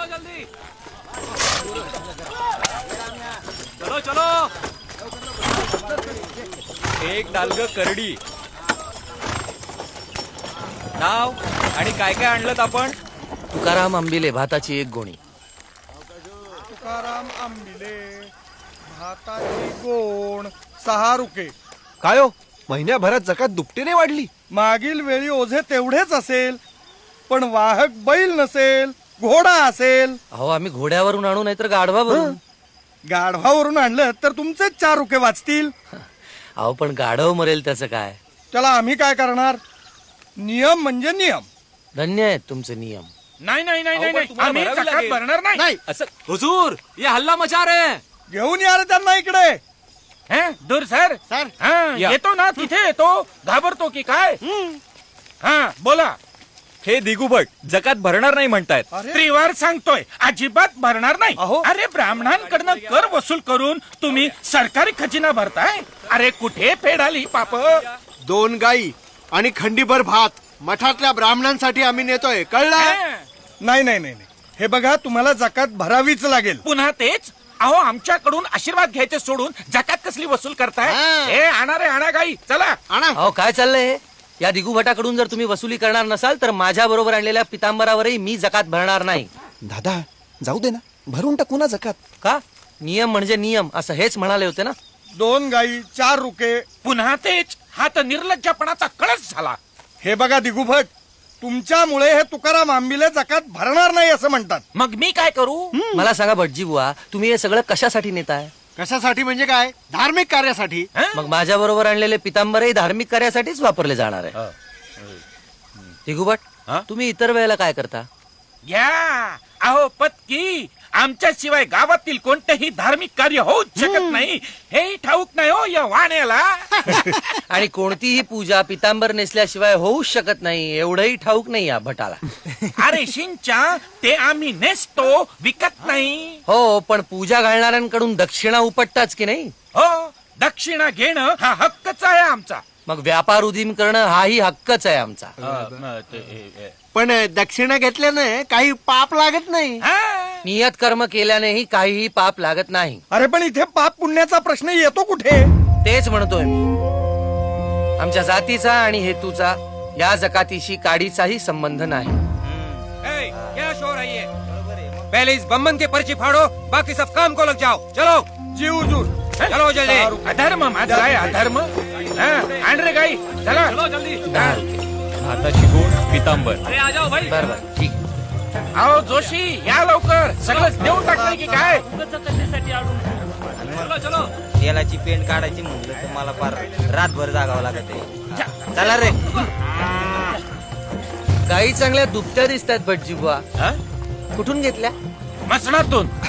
जल्दी चलो चलो. एक डालग करडी. नाव आणि काय काय आणलं आपण? तुकाराम आंबिले भाताची एक गोणी. तुकाराम आंबिले भाताची गोण 6 रुपये. काय हो, महिन्याभरात जकात दुपटीने वाढली. मागील वेळी ओझे तेवढेच असेल, पण वाहक बैल नसेल, घोडा असेल. अहो आम्ही घोड्यावरून आणू नाहीतर गाढवावरून. गाढवावरून आणलं तर तुमचेच 4 रुपये वाचतील. अहो पण गाढव मरेल त्याचं काय. त्याला आम्ही काय करणार? नियम म्हणजे नियम. धन्य आहेत तुमचे नियम. नाही नाही नाही नाही तुम्हाला आम्ही भरावी जकात लागेल. भरणार नाही. असं हुजूर, ये हल्ला मचा रे. घेऊन या रे त्यांना इकडे. हं? दूर सर हं, या. येतो ना तिथे येतो. घाबरतो की काय? हा बोला. हे दिगुभट जकात भरणार नाही म्हणतायत. अरे त्रिवार सांगतोय अजिबात भरणार नाही. अहो. अरे ब्राह्मणांकडनं कर वसूल करून तुम्ही सरकारी खजिना भरताय. अरे कुठे फेडाली पाप. 2 गाई आणि खंडीभर भात मठातल्या ब्राह्मणांसाठी आम्ही नेतोय, कळलं? नाही नाही नाही नाही. हे बघा, तुम्हाला जकात भरावीच लागेल. पुन्हा तेच. अहो आमच्याकडून आशीर्वाद घ्यायचे सोडून जकात कसली वसूल करताय? हा. हे आणा रे आणा गाई चला. आणा. अहो काय चाललंय हे? या दिगुभटाकडून जर तुम्ही वसुली करणार नसाल तर माझ्या बरोबर आणलेल्या पितांबरावरही मी जकात भरणार नाही. दादा जाऊ दे ना, भरून टाकू ना जकात. का? नियम म्हणजे नियम असं हेच म्हणाले होते ना. 2 गाई 4 रुपये. पुन्हा तेच. हा तर निर्लज्जपणाचा कळस झाला. हे बघा दिगुभट, तुमच्यामुळे हे तुकाराम आंबिले जकात भरणार नाही असं म्हणतात. मग मी काय करू? मला सांगा भटजी बुवा, तुम्ही हे सगळं कशासाठी नेताय? कशासाठी म्हणजे काय? धार्मिक कार्यासाठी. हं? मग माझ्या बरोबर आणलेले पितांबरही धार्मिक कार्यासाठीच वापरले जाणार आहे. दिगुभट, तुम्ही इतर वेळेला काय करता? घ्या. अहो पत्की, आमच्याशिवाय गावातील कोणतेही धार्मिक कार्य होऊच शकत नाही हे ठाऊक नाही हो या वाण्याला. आणि कोणतीही पूजा पितांबर नेसल्याशिवाय होऊच शकत नाही एवढंही ठाऊक नाही या भटाला. अरे शिंच्या, ते आम्ही नेसतो, विकत नाही. हो, पण पूजा घालणाऱ्यांकडून दक्षिणा उपटताच की नाही. हो, दक्षिणा घेणं हा हक्कच आहे आमचा. मग व्यापार उदीम करणं हाही हक्कच आहे आमचा. पण दक्षिणा घेतल्याने काही पाप लागत नाही. हा. नियत कर्म केल्यानेही काहीही पाप लागत नाही. अरे पण इथे पाप पुण्याचा प्रश्न येतो कुठे? तेच म्हणतोय मी. आमच्या जातीचा आणि हेतूचा या जकातीशी काडीचाही संबंध नाही. क्या शोर है ये? पहले इस बम्बन के पर्ची फाड़ो, बाकी सब काम को लग जाओ. चलो जी हुजूर. चलो जल्दी. अधर्म माझा आहे अधर्म. हा, आण रे गाई चला. चलो जल्दी. 10 रुपये. भाताची गोण पितांबर. अरे आ जाओ भाई. बरोबर, ठीक. अहो जोशी या लवकर. सगळंच देऊन टाकलंय की काय? चलो चलो. तेलाची पेंट काढायची म्हणलं तर मला फार रातभर जागावं लागत आहे. चला रे. गाई चांगल्या दुभत्या दिसतात भटजी बुवा. हा? कुठून घेतल्या? मसणातून.